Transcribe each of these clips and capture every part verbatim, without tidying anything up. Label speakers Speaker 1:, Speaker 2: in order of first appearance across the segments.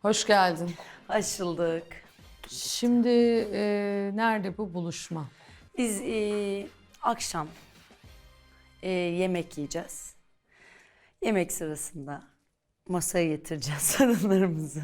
Speaker 1: Hoş geldin.
Speaker 2: Açıldık.
Speaker 1: Şimdi e, nerede bu buluşma?
Speaker 2: Biz e, akşam e, yemek yiyeceğiz. Yemek sırasında masaya getireceğiz sorunlarımızı.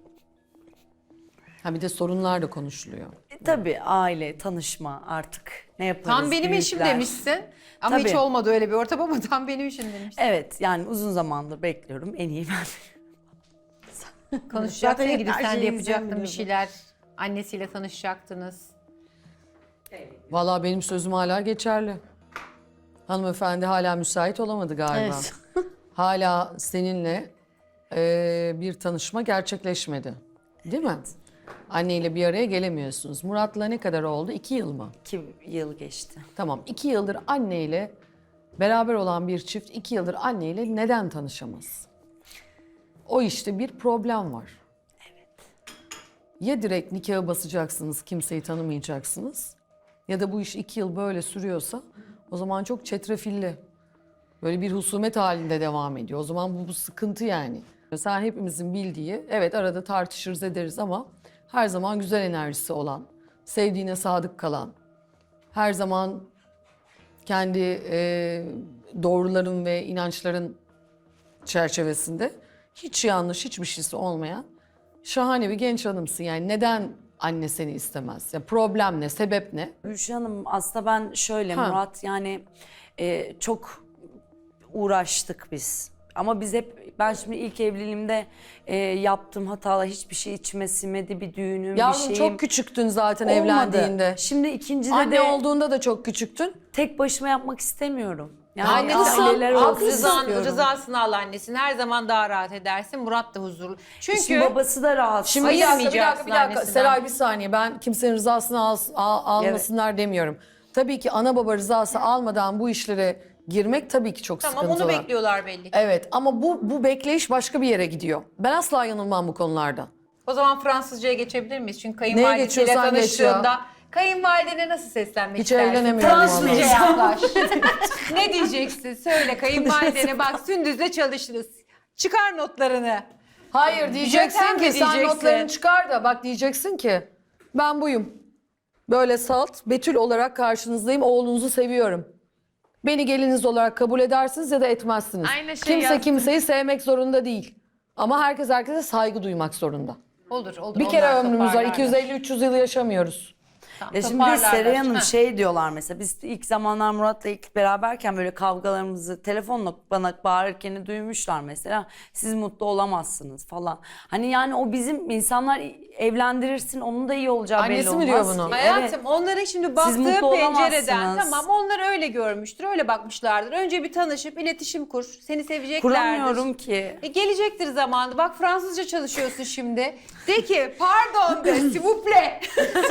Speaker 1: Ha bir de sorunlar da konuşuluyor.
Speaker 2: E, tabii aile, tanışma artık ne yaparız?
Speaker 3: Tam benim eşim
Speaker 2: büyükler.
Speaker 3: demişsin. Ama
Speaker 2: Tabii.
Speaker 3: hiç olmadı öyle bir ortam ama tam benim eşim demişsin.
Speaker 2: Evet yani uzun zamandır bekliyorum. En iyi ben.
Speaker 3: Konuşacaktın
Speaker 2: Zaten
Speaker 3: gidip
Speaker 2: her
Speaker 3: sen de
Speaker 2: şeyi
Speaker 3: yapacaktın
Speaker 2: izlemiyorum.
Speaker 3: bir şeyler. Annesiyle tanışacaktınız.
Speaker 1: Vallahi benim sözüm hala geçerli. Hanımefendi hala müsait olamadı galiba.
Speaker 2: Evet.
Speaker 1: Hala seninle e, bir tanışma gerçekleşmedi. Değil mi? Anneyle bir araya gelemiyorsunuz. Murat'la ne kadar oldu? İki yıl mı?
Speaker 2: İki yıl geçti.
Speaker 1: Tamam. iki yıldır anneyle beraber olan bir çift iki yıldır anneyle neden tanışamaz? O işte bir problem var. Ya direkt nikahı basacaksınız, kimseyi tanımayacaksınız. Ya da bu iş iki yıl böyle sürüyorsa o zaman çok çetrefilli. Böyle bir husumet halinde devam ediyor. O zaman bu, bu sıkıntı yani. Sen hepimizin bildiği, evet arada tartışırız ederiz ama her zaman güzel enerjisi olan, sevdiğine sadık kalan, her zaman kendi e, doğruların ve inançların çerçevesinde hiç yanlış, hiçbir şeysi olmayan şahane bir genç hanımsın. Yani neden anne seni istemez? Ya problem ne, sebep ne?
Speaker 2: Gülşah Hanım aslında ben şöyle
Speaker 1: Ha.
Speaker 2: Murat yani e, çok uğraştık biz. Ama biz hep ben şimdi ilk evliliğimde e, yaptığım hatalar hiçbir şey içime sinmedi bir düğünüm bir
Speaker 1: Yavrum
Speaker 2: şeyim.
Speaker 1: çok küçüktün zaten
Speaker 2: olmadı.
Speaker 1: evlendiğinde.
Speaker 2: Şimdi ikincide
Speaker 1: Anne
Speaker 2: de
Speaker 1: olduğunda da çok küçüktün.
Speaker 2: tek başıma yapmak istemiyorum. Yani
Speaker 1: Haklısın,
Speaker 2: aileler olsun
Speaker 1: haklısın.
Speaker 3: Rızan,
Speaker 2: istiyorum.
Speaker 3: rızasını al annesini. Her zaman daha rahat edersin. Murat da huzurlu. Çünkü
Speaker 2: Şimdi babası da rahatsız.
Speaker 1: Şimdi bir dakika, bir
Speaker 3: Ayırmayacaksın
Speaker 1: dakika, bir dakika.
Speaker 3: annesinden.
Speaker 1: Seray bir saniye. Ben kimsenin rızasını al, al- almasınlar demiyorum. Tabii ki ana baba rızası almadan bu işlere girmek tabii ki çok
Speaker 3: tamam
Speaker 1: sıkıntılı.
Speaker 3: onu bekliyorlar belli ki.
Speaker 1: Evet ama bu bu bekleyiş başka bir yere gidiyor. Ben asla yanılmam bu konularda.
Speaker 3: O zaman Fransızcaya geçebilir miyiz? Çünkü kayınvalidesiyle
Speaker 1: geçiyorsan geç ya.
Speaker 3: tanıştığında kayınvalidene nasıl seslenmek
Speaker 1: Hiç
Speaker 3: istersin?
Speaker 1: evlenemiyorum
Speaker 3: Fransızca
Speaker 2: vallahi.
Speaker 3: yaklaş. Ne diyeceksin? Söyle kayınvalidene bak Sündüz'le çalışırız. Çıkar notlarını.
Speaker 1: Hayır diyeceksin
Speaker 3: Jötem
Speaker 1: ki
Speaker 3: mi
Speaker 1: sen
Speaker 3: diyeceksin?
Speaker 1: notlarını çıkar da bak diyeceksin ki ben buyum. Böyle salt, Betül olarak karşınızdayım. Oğlunuzu seviyorum. Beni geliniz olarak kabul edersiniz ya da etmezsiniz.
Speaker 4: Aynı şey
Speaker 1: Kimse
Speaker 4: yazdım.
Speaker 1: kimseyi sevmek zorunda değil. Ama herkes herkese saygı duymak zorunda.
Speaker 3: Olur olur.
Speaker 1: Bir kere
Speaker 3: onlar
Speaker 1: ömrümüz var.
Speaker 3: toparlarlar.
Speaker 1: iki yüz elli üç yüz yıl yaşamıyoruz.
Speaker 3: Tamam,
Speaker 2: Ya şimdi bir de
Speaker 3: toparlarlar.
Speaker 2: Seray Hanım
Speaker 3: Heh.
Speaker 2: şey diyorlar mesela biz ilk zamanlar Murat'la ilk beraberken böyle kavgalarımızı telefonla bana bağırırken duymuşlar mesela. Siz mutlu olamazsınız falan. Hani yani o bizim insanlar evlendirirsin onun da iyi olacağı belli
Speaker 1: Annesi
Speaker 2: olmaz
Speaker 1: mi diyor bunu?
Speaker 2: ki.
Speaker 3: Hayatım
Speaker 2: Evet.
Speaker 3: onların şimdi
Speaker 2: Siz
Speaker 3: baktığı
Speaker 2: mutlu
Speaker 3: pencereden
Speaker 2: olamazsınız.
Speaker 3: tamam onlar öyle görmüştür, öyle bakmışlardır. Önce bir tanışıp iletişim kur, seni seveceklerdir.
Speaker 2: Kuramıyorum ki.
Speaker 3: E, gelecektir zamanı. Bak Fransızca çalışıyorsun şimdi. De ki pardon de s'il vous plaît.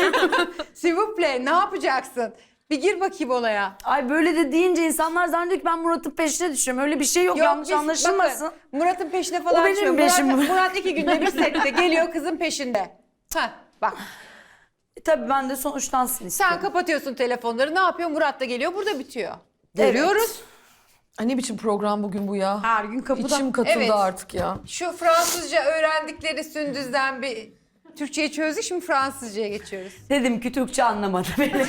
Speaker 3: S'il vous plaît ne yapacaksın? Bir gir bakayım olaya.
Speaker 2: Ay böyle de deyince insanlar zannediyor ki ben Murat'ın peşine düşüyorum. Öyle bir şey yok, yanlış
Speaker 3: biz-
Speaker 2: anlaşılmasın.
Speaker 3: bakın, Murat'ın peşine falan
Speaker 2: O benim
Speaker 3: düşüyor.
Speaker 2: peşim.
Speaker 3: Murat, Murat iki günde bir sette geliyor kızın peşinde. Heh, bak
Speaker 2: E, tabii ben de sonuçlansın istiyorum.
Speaker 3: sen kapatıyorsun telefonları ne yapıyor? Murat da geliyor burada bitiyor. Görüyoruz.
Speaker 1: Ay ne biçim program bugün bu ya?
Speaker 2: Her gün kapıda.
Speaker 1: İçim katıldı
Speaker 3: Evet.
Speaker 1: artık ya.
Speaker 3: Şu Fransızca öğrendikleri Sündüz'den bir Türkçeyi çözdük şimdi Fransızcaya geçiyoruz.
Speaker 2: Dedim ki Türkçe anlamadı beni.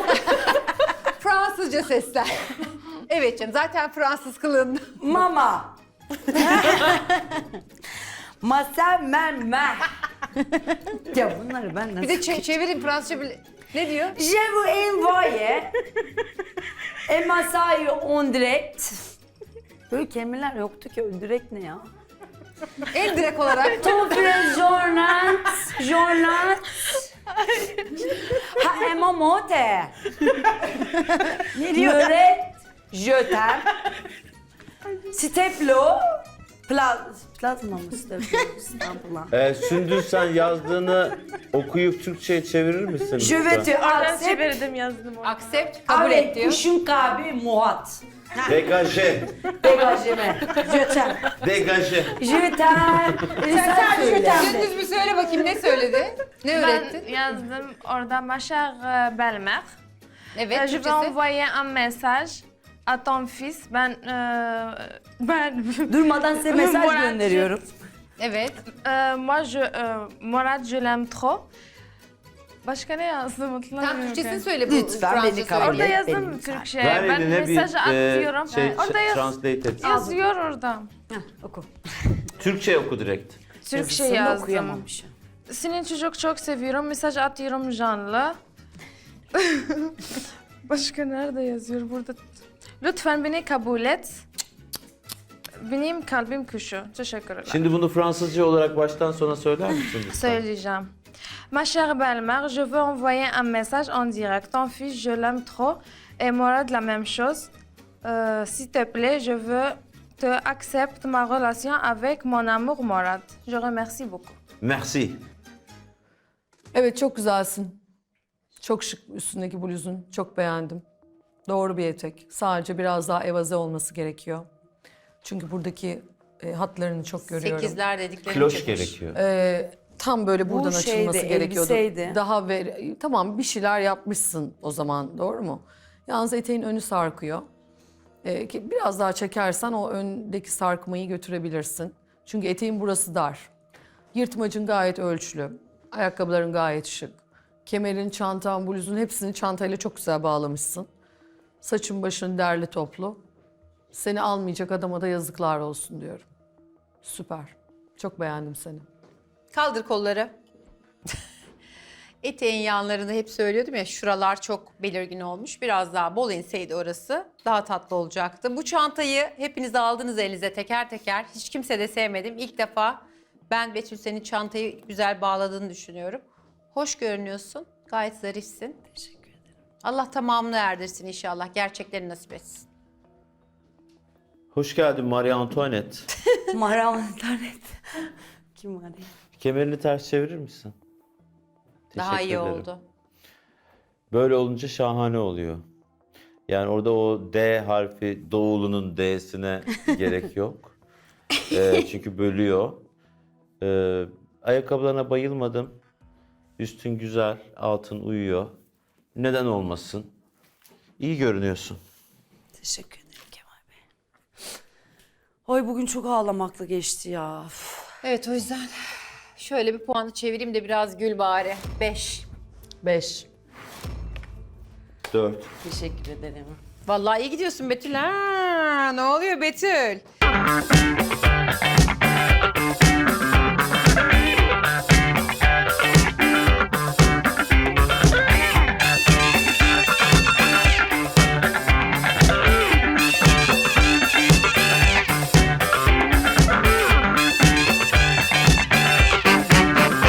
Speaker 3: Fransızca sesler. Evet canım zaten Fransız kılığında.
Speaker 2: Mama. Masa mermer. Ya bunları ben nasıl...
Speaker 3: Bir de çe- çevirin Fransızca bile. Ne diyor?
Speaker 2: Je vous envoie et masayı on direct. Böyle kelimeler yoktu ki. Direkt ne ya?
Speaker 3: En direkt olarak.
Speaker 2: Ton frère journal, journal. Ha emomote. Ne diyor? Möret, je t'aime. Steplo. Plaz, plazma mı steplo? İstanbul'a.
Speaker 5: Ee, Sündüz sen yazdığını okuyup Türkçe'ye çevirir misin?
Speaker 2: Je
Speaker 5: lütfen?
Speaker 2: veux te
Speaker 4: Ben
Speaker 2: accept
Speaker 4: çevirdim yazdım onu.
Speaker 3: Accept kabul et
Speaker 2: avec
Speaker 3: diyor.
Speaker 2: kuşun kabi muhat.
Speaker 5: Degaje,
Speaker 2: Dégageme. Je t'aime.
Speaker 5: degaje.
Speaker 2: Je t'aime. Sen söyle.
Speaker 3: Sündüz bir söyle bakayım ne söyledi? Ne öğrettin?
Speaker 4: Ben yazdım orada ma chère euh, belle-mère.
Speaker 3: Evet
Speaker 4: Euh, je vais
Speaker 3: Türkçesi.
Speaker 4: envoyer un message à ton fils. Ben euh, ben
Speaker 2: Durmadan size mesaj
Speaker 4: Murat,
Speaker 2: gönderiyorum.
Speaker 3: Evet.
Speaker 4: Euh, moi, je, euh, Murat, je l'aime trop. Başka ne yazdım hatırlamıyorum.
Speaker 3: Tam Türkçesini
Speaker 4: ki.
Speaker 3: söyle bu
Speaker 2: Lütfen beni
Speaker 3: Fransızca
Speaker 2: kabul
Speaker 3: söyle.
Speaker 4: Orada
Speaker 2: et,
Speaker 4: yazdım
Speaker 2: benim
Speaker 4: Türkçe.
Speaker 5: Ver
Speaker 4: Ben
Speaker 5: eline bir
Speaker 4: mesaj
Speaker 5: e,
Speaker 4: atıyorum.
Speaker 5: şey,
Speaker 4: orada yaz,
Speaker 5: translate et.
Speaker 4: yazıyor orada.
Speaker 2: Heh, oku.
Speaker 5: Türkçe oku direkt.
Speaker 4: Türkçe
Speaker 2: Yazısını
Speaker 4: yazdım.
Speaker 2: okuyamamışım.
Speaker 4: Seni çocuk çok seviyorum. Mesaj atıyorum canlı. Başka nerede yazıyor burada? Lütfen beni kabul et. Benim kalbim kuşu. Teşekkürler.
Speaker 5: Şimdi bunu Fransızca olarak baştan sona söyler misin lütfen?
Speaker 4: Söyleyeceğim. Ma chère belle-mère, je veux envoyer un message en direct. Ton fils, je l'aime trop. Et Morad, la même chose. Euh, S'il te plaît, je veux te accepter ma relation avec mon amour Morad. Je remercie beaucoup.
Speaker 5: Merci.
Speaker 1: Evet, çok güzelsin. Çok şık üstündeki bluzun. Çok beğendim. Doğru bir etek. Sadece biraz daha evaze olması gerekiyor. Çünkü buradaki e, hatlarını çok görüyorum.
Speaker 3: Sekizler dediklerini
Speaker 5: Kloş
Speaker 3: çıkmış.
Speaker 5: gerekiyor.
Speaker 1: Ee, tam böyle buradan
Speaker 2: şeydi,
Speaker 1: açılması gerekiyordu.
Speaker 2: elbiseydi.
Speaker 1: Daha ver, tamam bir şeyler yapmışsın o zaman, doğru mu? Yalnız eteğin önü sarkıyor. Ee, ki biraz daha çekersen o öndeki sarkmayı götürebilirsin. Çünkü eteğin burası dar. Yırtmacın gayet ölçülü. Ayakkabıların gayet şık. Kemerin, çantan, bluzun hepsini çantayla çok güzel bağlamışsın. Saçın başın derli toplu. Seni almayacak adama da yazıklar olsun diyorum. Süper. Çok beğendim seni.
Speaker 3: Kaldır kolları. Eteğin yanlarını hep söylüyordum ya, şuralar çok belirgin olmuş. Biraz daha bol inseydi orası daha tatlı olacaktı. Bu çantayı hepiniz aldınız elinize teker teker. Hiç kimse de sevmedim. İlk defa ben Betül senin çantayı güzel bağladığını düşünüyorum. Hoş görünüyorsun. Gayet zarifsin.
Speaker 2: Teşekkür ederim.
Speaker 3: Allah tamamını erdirsin inşallah. Gerçekleri nasip etsin.
Speaker 5: Hoş geldin Marie Antoinette.
Speaker 2: Maram internet. Kim var ya?
Speaker 5: Kemerini ters çevirir misin?
Speaker 3: Daha
Speaker 5: Teşekkür
Speaker 3: iyi
Speaker 5: ederim.
Speaker 3: oldu.
Speaker 5: Böyle olunca şahane oluyor. Yani orada o D harfi, Doğulu'nun D'sine gerek yok. Ee, çünkü bölüyor. Ee, ayakkabılarına bayılmadım. Üstün güzel, altın uyuyor. Neden olmasın? İyi görünüyorsun.
Speaker 2: Teşekkür ederim Kemal Bey. Ay bugün çok ağlamakla geçti ya. Üf.
Speaker 3: Evet, o yüzden şöyle bir puanı çevireyim de biraz gül bari. Beş.
Speaker 1: Beş.
Speaker 5: Dört.
Speaker 2: Teşekkür ederim.
Speaker 3: Vallahi iyi gidiyorsun Betül ha. Ne oluyor Betül?